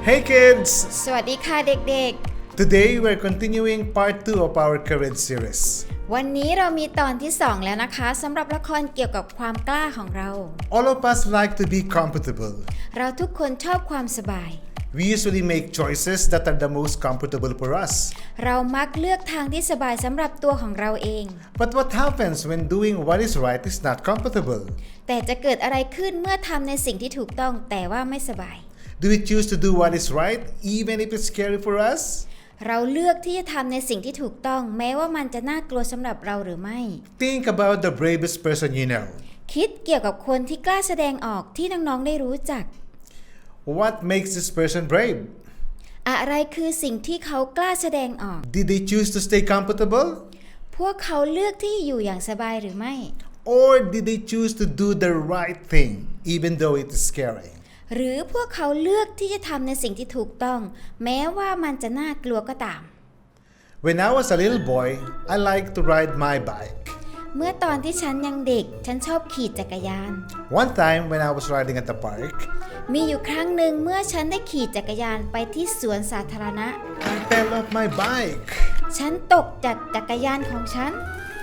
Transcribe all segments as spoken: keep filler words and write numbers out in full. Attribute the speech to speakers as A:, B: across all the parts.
A: Hey kids!
B: สวัสดีค่ะเด็ก
A: Today we're continuing part two of our courage series.
B: ๆ วันนี้เรามีตอนที่สองแล้วนะคะสำหรับละครเกี่ยวกับความกล้าของเรา
A: All of us like to be comfortable.
B: เราทุกคนชอบความสบาย
A: We usually make choices that are the most comfortable for us.
B: เรามักเลือกทางที่สบายสำหรับตัวของเราเอง
A: But what happens when doing what is right is not comfortable?
B: แต่จะเกิดอะไรขึ้นเมื่อทำในสิ่งที่ถูกต้องแต่ว่าไม่สบาย
A: Do we choose to do what is right even if it's scary for us?
B: เราเลือกที่จะทำในสิ่งที่ถูกต้องแม้ว่ามันจะน่ากลัวสำหรับเราหรือไม่
A: Think about the bravest person you know.
B: คิดเกี่ยวกับคนที่กล้าแสดงออกที่น้องๆได้รู้จัก
A: What makes this person brave?
B: อะไรคือสิ่งที่เขากล้าแสดงออก
A: Did they choose to stay comfortable?
B: พวกเขาเลือกที่อยู่อย่างสบายหรือไม่
A: Or did they choose to do the right thing even though it is scary?
B: หรือพวกเขาเลือกที่จะทำในสิ่งที่ถูกต้องแม้ว่ามันจะน่ากลัวก็ตาม
A: When I was a little boy, I liked to ride my bike.
B: เมื่อตอนที่ฉันยังเด็กฉันชอบขี่จักรยาน
A: One time when I was riding at the park,
B: มีอยู่ครั้งหนึ่งเมื่อฉันได้ขี่จักรยานไปที่สวนสาธารณะ
A: I fell off my bike.
B: ฉันตกจากจักรยานของฉัน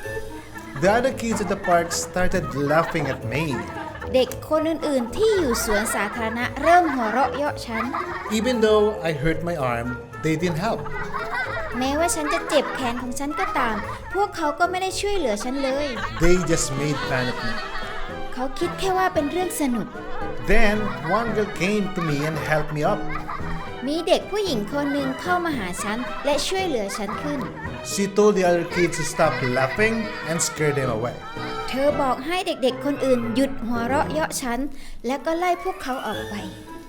A: The other kids at the park started laughing at me.
B: เด็กคนอื่นๆที่อยู่สวนสาธารณะเริ่มหัวเราะเยาะฉัน
A: Even though I hurt my arm, they didn't help.
B: แม้ว่าฉันจะเจ็บแขนของฉันก็ตามพวกเขาก็ไม่ได้ช่วยเหลือฉันเลย
A: They just made fun of me.
B: เขาคิดแค่ว่าเป็นเรื่องสนุก
A: Then one girl came to me and helped me up.
B: มีเด็กผู้หญิงคนหนึ่งเข้ามาหาฉันและช่วยเหลือฉันขึ้น
A: She told the other kids to stop laughing and scare them away.
B: เธอบอกให้เด็กๆคนอื่นหยุดหัวเราะเยาะฉันและก็ไล่พวกเขาออกไป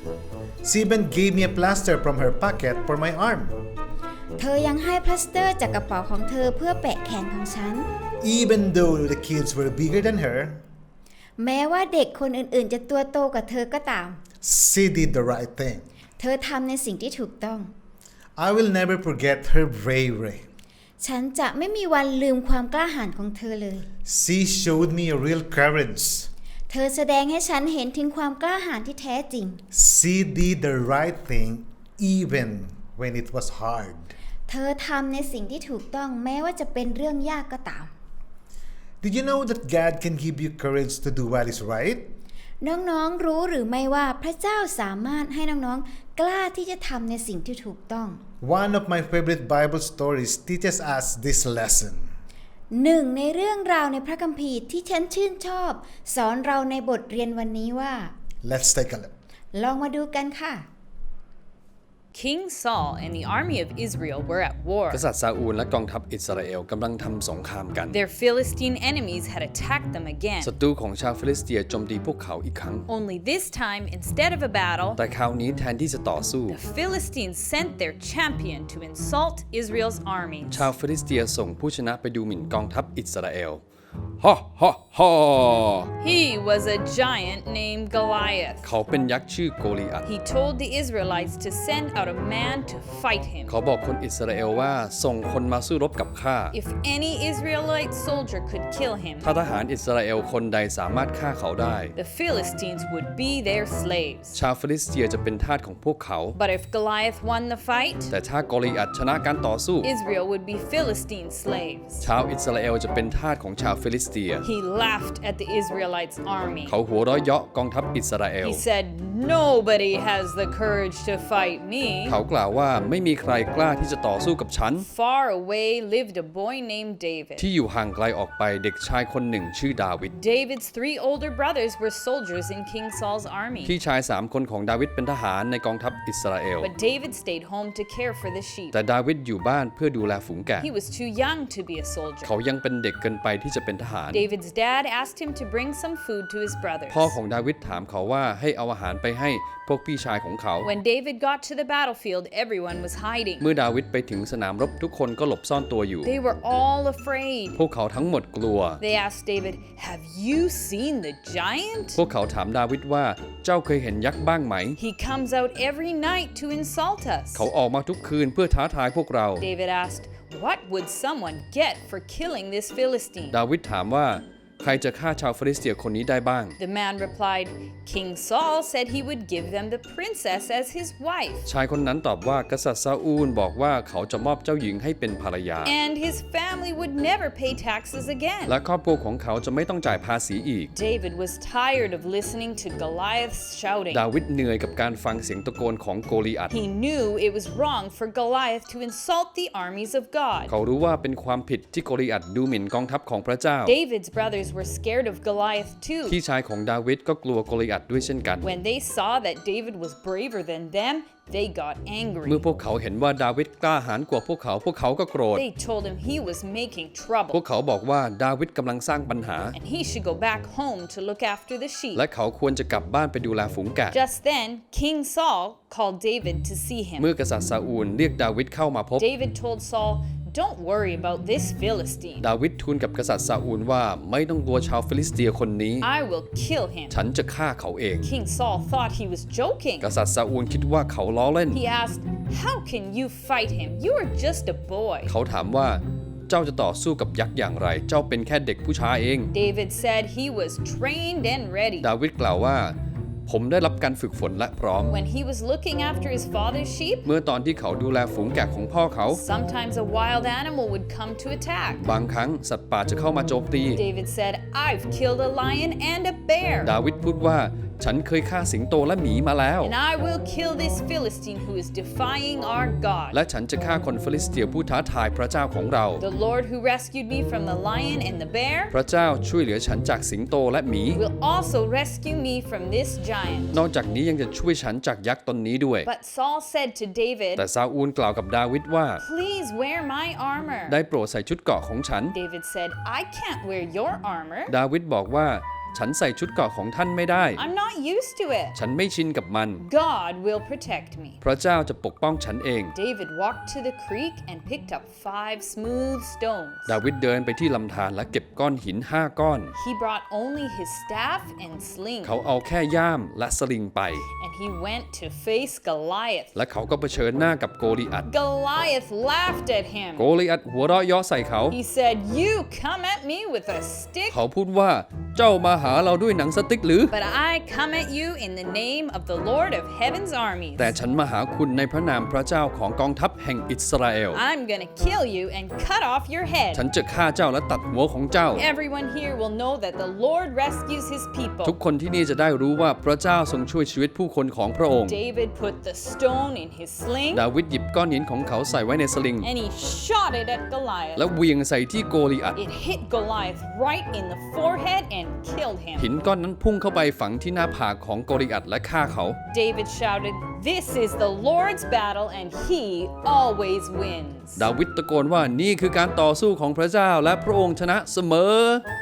A: She even gave me a plaster from her pocket for my arm.
B: เธอยังให้พลาสเตอร์จากกระเป๋าของเธอเพื่อแปะแขนของฉัน
A: Even though the kids were bigger than her,
B: แม้ว่าเด็กคนอื่นๆจะตัวโตกว่าเธอก็ตาม
A: she did the right thing.
B: เธอทำในสิ่งที่ถูกต้อง
A: I will never forget her bravery.
B: ฉันจะไม่มีวันลืมความกล้าหาญของเธอเลย
A: She showed me real courage.
B: เธอแสดงให้ฉันเห็นถึงความกล้าหาญที่แท้จริง
A: She did the right thing even when it was hard.
B: เธอทำในสิ่งที่ถูกต้องแม้ว่าจะเป็นเรื่องยากก็ตาม
A: Did you know that God can give you courage to do what is right?
B: น้องๆรู้หรือไม่ว่าพระเจ้าสามารถให้น้องๆกล้าที่จะทำในสิ่งที่ถูกต้อง
A: One of my favorite Bible stories teaches us this lesson.
B: หนึ่งในเรื่องราวในพระคัมภีร์ที่ฉันชื่นชอบสอนเราในบทรียนวันนี้ว่า
A: Let's take a look.
B: ลองมาดูกันค่ะ
C: King Saul and the army of Israel were at war.
D: กษัตริย์ซาอูลและกองทัพอิสราเอลกำลังทำสงครามกัน
C: Their Philistine enemies had attacked them again.
D: ศัตรูของชาวฟิลิสเตียโจมตีพวกเขาอีกครั้ง
C: Only this time, instead of a battle,
D: แต่คราวนี้แทนที่จะต่อสู้
C: the Philistines sent their champion to insult Israel's army.
D: ชาวฟิลิสเตียส่งผู้ชนะไปดูหมิ่นกองทัพอิสราเอลฮ่าฮ่าฮ่า
C: He was a giant named Goliath.
D: เขาเป็นยักษ์ชื่อโกลิอัท
C: He told the Israelites to send out a man to fight him.
D: เขาบอกคนอิสราเอลว่าส่งคนมาสู้รบกับข้า
C: If any Israelite soldier could kill him,
D: ถ้าทหารอิสราเอลคนใดสามารถฆ่าเขาได้
C: the Philistines would be their slaves.
D: ชาวฟิลิสเตียจะเป็นทาสของพวกเขา
C: But if Goliath won the fight,
D: แต่ถ้าโกลิอัทชนะการต่อสู้
C: Israel would be Philistine slaves.
D: ชาวอิสราเอลจะเป็นทาสของชาวฟิลิสเตีย
C: He laughed at the Israelites' army.
D: เขาหัวเราะเยาะกองทัพอิสราเอล
C: He said, "Nobody has the courage to fight me."
D: เขากล่าวว่าไม่มีใครกล้าที่จะต่อสู้กับฉัน
C: Far away lived a boy named David.
D: ที่อยู่ห่างไกลออกไปเด็กชายคนหนึ่งชื่อดาวิด
C: David's three older brothers were soldiers in King Saul's army.
D: พี่ชายสามคนของดาวิดเป็นทหารในกองทัพอิสราเอล
C: But David stayed home to care for the sheep.
D: แต่ดาวิดอยู่บ้านเพื่อดูแลฝูงแกะ
C: He was too young to be a soldier.
D: เขายังเป็นเด็กเกินไปที่จะเป็นทหาร
C: David's dad asked him to bring some food to his brothers.
D: พ่อของดาวิดถามเขาว่าให้เอาอาหารไปให้พวกพี่ชายของเขา
C: When David got to the battlefield, everyone was hiding.
D: เมื่อดาวิดไปถึงสนามรบทุกคนก็หลบซ่อนตัวอยู่
C: They were all afraid.
D: พวกเขาทั้งหมดกลัว
C: They asked David, "Have you seen the giant?"
D: พวกเขาถามดาวิดว่าเจ้าเคยเห็นยักษ์บ้างไหม
C: He comes out every night to insult us.
D: เขาออกมาทุกคืนเพื่อท้าทายพวกเรา
C: David asked, "What would someone get for killing this Philistine?"
D: ดาวิดถามว่าใครจะฆ่าชาวฟิลิสเตียคนนี้ได้บ้าง
C: The man replied, King Saul said he would give them the princess as his wife,
D: ชายคนนั้นตอบว่ากษัตริย์ซาอูลบอกว่าเขาจะมอบเจ้าหญิงให้เป็นภรรยา
C: and his family would never pay taxes again.
D: และครอบครัวของเขาจะไม่ต้องจ่ายภาษีอีก
C: David was tired of listening to Goliath's shouting.
D: ดาวิดเหนื่อยกับการฟังเสียงตะโกนของโกลิอัต
C: He knew it was wrong for Goliath to insult the armies of God.
D: เขารู้ว่าเป็นความผิดที่โกลิอัตดูหมิ่นกองทัพของพระเจ้า
C: David's brothers were scared of Goliath too.
D: พี่ชายของดาวิดก็กลัวโกลิอัตด้วยเช่นกัน
C: When they saw that David was braver than them, they got angry.
D: เมื่อพวกเขาเห็นว่าดาวิดกล้าหาญกว่าพวกเขาพวกเขาก็โกรธ
C: They told him he was making
D: พว
C: trouble
D: กเขาบอกว่าดาวิดกำลังสร้างปัญหา
C: and he should go back home to look after the sheep.
D: และเขาควรจะกลับบ้านไปดูแลฝูงแกะ
C: Just then, King Saul called David to see
D: เมื่อ
C: him.
D: กษัตริย์ซาอูลเรียกดาวิดเข้ามาพบ
C: David told Saul, Don't worry about this Philistine.
D: ดาวิดทูลกับกษัตริย์ซาอูลว่าไม่ต้องกลัวชาวฟิลิสเตียคนนี้
C: I will kill him.
D: ฉันจะฆ่าเขาเอง
C: King Saul thought he was joking.
D: กษัตริย์ซาอูลคิดว่าเขาล้อเล่น
C: He asked, How can you fight him? You are just a boy.
D: เขาถามว่าเจ้าจะต่อสู้กับยักษ์อย่างไร เจ้าเป็นแค่เด็กผู้ชายเอง
C: David said he was trained and ready.
D: ดาวิดกล่าวว่าผมได้รับการฝึกฝนและพร้อม
C: When he was looking after his father's sheep,
D: เมื่อตอนที่เขาดูแลฝูงแกะของพ่อเขา
C: sometimes a wild animal would come to attack.
D: บางครั้งสัตว์ป่าจะเข้ามาโจมตี
C: David said, I've killed a lion and a bear.
D: ดาวิดพูดว่าฉันเคยฆ่าสิงโตและหมีมาแล้ว
C: And I will kill this Philistine who is defying our God.
D: และฉันจะฆ่าคนฟิลิสเตียผู้ท้าทายพระเจ้าของเรา
C: The Lord who rescued me from the lion and the bear
D: พระเจ้าช่วยเหลือฉันจากสิงโตและหมี
C: will also rescue me from this giant.
D: นอกจากนี้ยังจะช่วยฉันจากยักษ์ตนนี้ด้วย
C: But Saul said to David,
D: แต่ซาอูลกล่าวกับดาวิดว่า
C: Please wear my armor.
D: ได้โปรดใส่ชุดเกราะของฉัน
C: David said, I can't wear your armor.
D: ดาวิดบอกว่าฉันใส่ชุดเกราะของท่านไม่ได้
C: I'm not used to it.
D: ฉันไม่ชินกับมัน
C: God will protect me.
D: พระเจ้าจะปกป้องฉันเอง
C: David walked to the creek and picked up five smooth stones.
D: ดาวิดเดินไปที่ลำธารและเก็บก้อนหินห้าก้อน
C: He brought only his staff and sling,
D: เขาเอาแค่ย่ามและสลิงไป
C: and he went to face Goliath.
D: และเขาก็เผชิญหน้ากับโกลิอัต
C: Goliath laughed at him.
D: โกลิอัตหัวเราะเยาะใส่เขา
C: He said, You come at me with a stick,
D: เขาพูดว่าเจ้ามาหาเราด้วยหนังสติ๊กหรือ
C: but I come at you in the name of the Lord of heaven's armies.
D: แต่ฉันมาหาคุณในพระนามพระเจ้าของกองทัพแห่งอิสราเอล
C: I'm gonna kill you and cut off your
D: ฉัน
C: head.
D: จะฆ่าเจ้าและตัดหัวของเจ้า
C: Everyone here will know that the Lord rescues his
D: ทุก
C: people.
D: คนที่นี่จะได้รู้ว่าพระเจ้าทรงช่วยชีวิตผู้คนของพระองค์
C: David put the stone in his sling
D: ดาวิดหยิบก้อนหินของเขาใส่ไว้ในสลิง
C: and he shot it at
D: และ
C: Goliath.
D: เหวียงใส่ที่โกลิอัต
C: It hit Goliath right in the forehead and killed
D: หิน
C: him.
D: ก้อนนั้นพุ่งเข้าไปฝังที่หน้าผากของโกลิอัตและฆ่าเขา
C: David shouted, This is the Lord's battle and he always wins.
D: ดาวิดตะโกนว่านี่คือการต่อสู้ของพระเจ้าและพระองค์ชนะเสมอ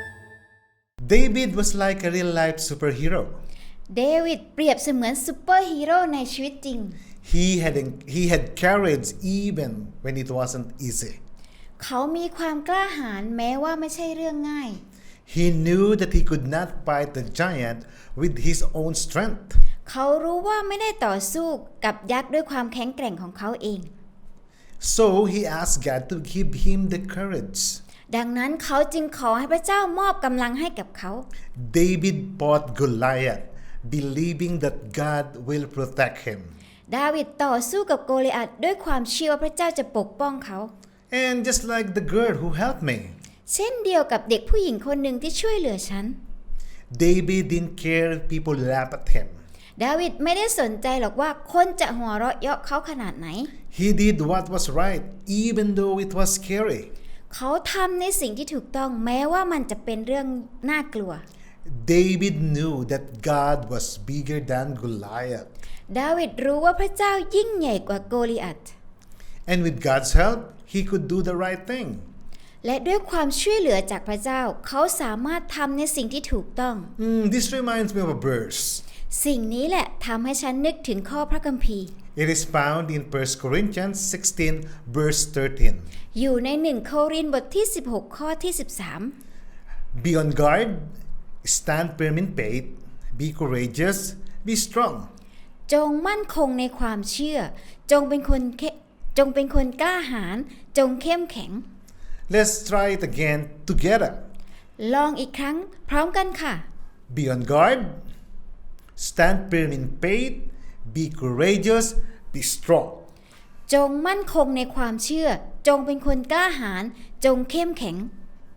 A: David was like a real life superhero.
B: เดวิดเปรียบเสมือนซูเปอร์ฮีโร่ในชีวิตจริง
A: He had, he had courage even when it wasn't easy.
B: เขามีความกล้าหาญแม้ว่าไม่ใช่เรื่องง่าย
A: He knew that he could not fight the giant with his own strength.
B: เขารู้ว่าไม่ได้ต่อสู้กับยักษ์ด้วยความแข็งแกร่งของเขาเอง
A: So he asked God to give him the courage.
B: ดังนั้นเขาจึงขอให้พระเจ้ามอบกำลังให้กับเขา
A: David fought Goliath, believing that God will protect him.
B: ดาวิดต่อสู้กับโกลิอัตด้วยความเชื่อว่าพระเจ้าจะปกป้องเขา
A: And just like the girl who helped me,
B: เช่นเดียวกับเด็กผู้หญิงคนหนึ่งที่ช่วยเหลือฉัน
A: David didn't care if people laugh at him.
B: ดาวิดไม่ได้สนใจหรอกว่าคนจะหัวเราะเยาะเขาขนาดไหน
A: He did what was right, even though it was scary.
B: เขาทำในสิ่งที่ถูกต้องแม้ว่ามันจะเป็นเรื่องน่ากลัว
A: David knew that God was bigger than Goliath.
B: ดาวิดรู้ว่าพระเจ้ายิ่งใหญ่กว่าโกลิอัต
A: And with God's help, he could do the right thing.
B: และด้วยความช่วยเหลือจากพระเจ้าเขาสามารถทำในสิ่งที่ถูกต้อง
A: Mm, this reminds me of a verse.
B: สิ่งนี้แหละทำให้ฉันนึกถึงข้อพระคัมภีร์
A: It is found in First Corinthians sixteen, verse thirteen.
B: อยู่ในหนึ่งโครินธ์บทที่สิบหกข้อที่สิบสาม
A: Be on guard, stand firm in faith, be courageous, be strong.
B: จงมั่นคงในความเชื่อจงเป็นคนเข้จงเป็นคนกล้าหาญจงเข้มแข็ง
A: Let's try it again together.
B: ลองอีกครั้งพร้อมกันค่ะ
A: Be on guard. Stand firm in faith. Be courageous. Be strong.
B: จงมั่นคงในความเชื่อ จงเป็นคนกล้าหาญจงเข้มแข็ง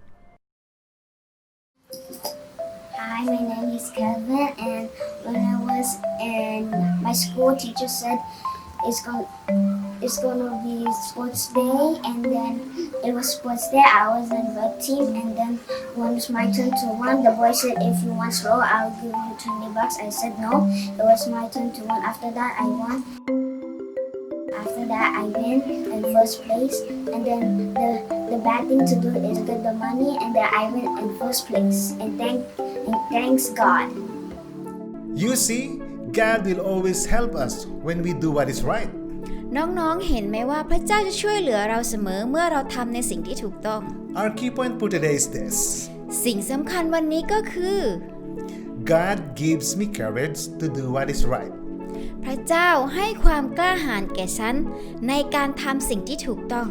E: Hi, my name is Kevin, and when I was in my school, teacher said it's going it's gonna be sports day, and then it was sports day. I was in red team, and then when it's my turn to run, the boy said, "If you want slow, I'll give you twenty bucks." I said no. It was my turn to run. After that, I won. After that, I win in first place, and then the the bad thing to do is get the money, and then I win in first place. And thank and thanks God.
A: You see, God will always help us when we do what is right.
B: น้องๆ เห็นไหมว่าพระเจ้าจะช่วยเหลือเราเสมอเมื่อเราทำในสิ่งที่ถูกต้อง
A: Our key point for today is this.
B: สิ่งสำคัญวันนี้ก็คือ
A: God gives me courage to do what is right.
B: พระเจ้าให้ความกล้าหาญแก่ฉันในการทำสิ่งที่ถูกต้อง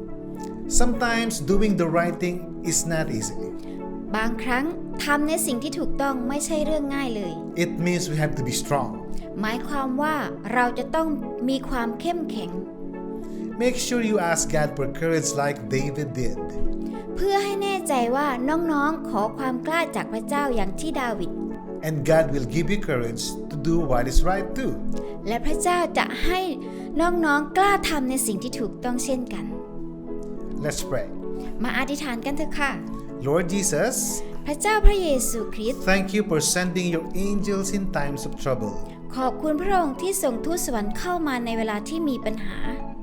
A: Sometimes doing the right thing is not easy.
B: บางครั้งทำในสิ่งที่ถูกต้องไม่ใช่เรื่องง่ายเลย
A: It means we have to be strong.
B: หมายความว่าเราจะต้องมีความเข้มแข็ง
A: Make sure you ask God for courage like David did.
B: เพื่อให้แน่ใจว่าน้องๆ ขอความกล้าจากพระเจ้าอย่างที่ดาวิด
A: And God will give you courage to do what is right too.
B: และพระเจ้าจะให้น้องๆ กล้าทำในสิ่งที่ถูกต้องเช่นกัน
A: Let's pray.
B: มาอธิษฐานกันเถอะค่ะ
A: Lord Jesus,
B: พระเจ้าพระเยซูคริสต์
A: thank you for sending your angels in times of trouble.
B: ขอบคุณพระองค์ที่ส่งทูตสวรรค์เข้ามาในเวลาที่มีปัญหา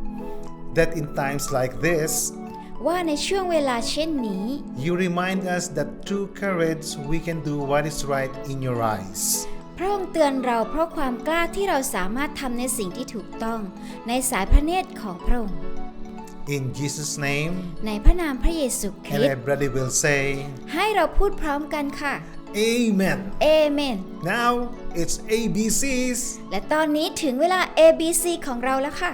A: That in times like this,
B: ว่าในช่วงเวลาเช่นนี้
A: you remind us that through courage we can do what is right in your eyes.
B: พระองค์เตือนเราเพราะความกล้าที่เราสามารถทำในสิ่งที่ถูกต้องในสายพระเนตรของพระองค์
A: In Jesus' name,
B: ในพระนามพระเยซูค
A: and
B: ริสต์
A: everybody will say,
B: ให้เราพูดพร้อมกันค่ะ
A: Amen.
B: เอเมน
A: Now it's A B Cs.
B: และตอนนี้ถึงเวลา เอ บี ซี ของเราแล้วค่ะ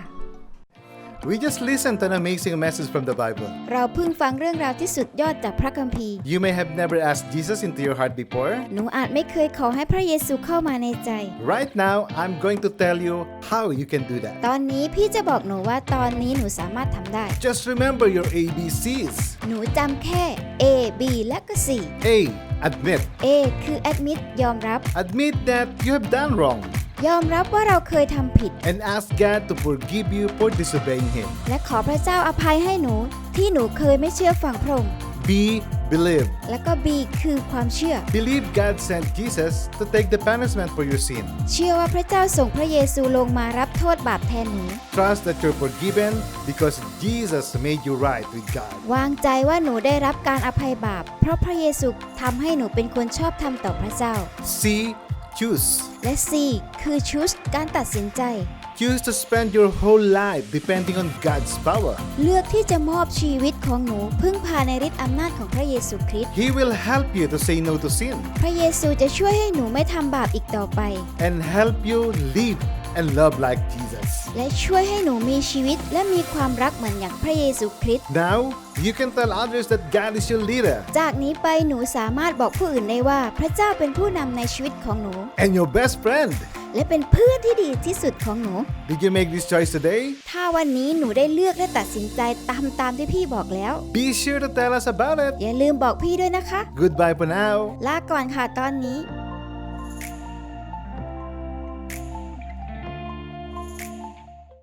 A: We just listened to an amazing message from the Bible.
B: เราเพิ่งฟังเรื่องราวที่สุดยอดจากพระคัมภีร์
A: You may have never asked Jesus into your heart before.
B: หนูอาจไม่เคยขอให้พระเยซูเข้ามาในใจ
A: Right now, I'm going to tell you how you can do that.
B: ตอนนี้พี่จะบอกหนูว่าตอนนี้หนูสามารถทำได้
A: Just remember your A B Cs.
B: หนูจำแค่ A B และก็ C
A: A. Admit.
B: A คือ admit ยอมรับ
A: Admit that you have done wrong
B: ยอมรับว่าเราเคยทำผิด
A: and ask God to forgive you for disobeying Him.
B: และขอพระเจ้าอภัยให้หนูที่หนูเคยไม่เชื่อฟังพระองค์
A: B. Believe.
B: และก็ B คือความเชื่อ
A: Believe God sent Jesus to take the punishment for your sin.
B: เชื่อว่าพระเจ้าส่งพระเยซูลงมารับโทษบาปแทนหนู
A: Trust that you're forgiven because Jesus made you right with God.
B: วางใจว่าหนูได้รับการอภัยบาปเพราะพระเยซูทำให้หนูเป็นคนชอบธรรมต่อพระเจ้า
A: C. Choose.
B: และ C คือ choose การตัดสินใจ
A: Choose to spend your whole life depending on God's power.
B: เลือกที่จะมอบชีวิตของหนูพึ่งพาในฤทธิ์อำนาจของพระเยซูคริสต์
A: He will help you to say no to sin
B: พระเยซูจะช่วยให้หนูไม่ทำบาปอีกต่อไป
A: and help you live and love like Jesus.
B: และช่วยให้หนูมีชีวิตและมีความรักเหมือนอย่างพระเยซูคริสต์
A: Now, you can tell others that God is your leader
B: จากนี้ไปหนูสามารถบอกผู้อื่นได้ว่าพระเจ้าเป็นผู้นำในชีวิตของหนู
A: and your best friend.
B: และเป็นเพื่อนที่ดีที่สุดของหนู
A: Did you make this choice today?
B: ถ้าวันนี้หนูได้เลือกและตัดสินใจตามตามที่พี่บอกแล้ว
A: Be sure to tell us about it.
B: อย่าลืมบอกพี่ด้วยนะคะ
A: Goodbye for now.
B: ลาก่อนค่ะตอนนี้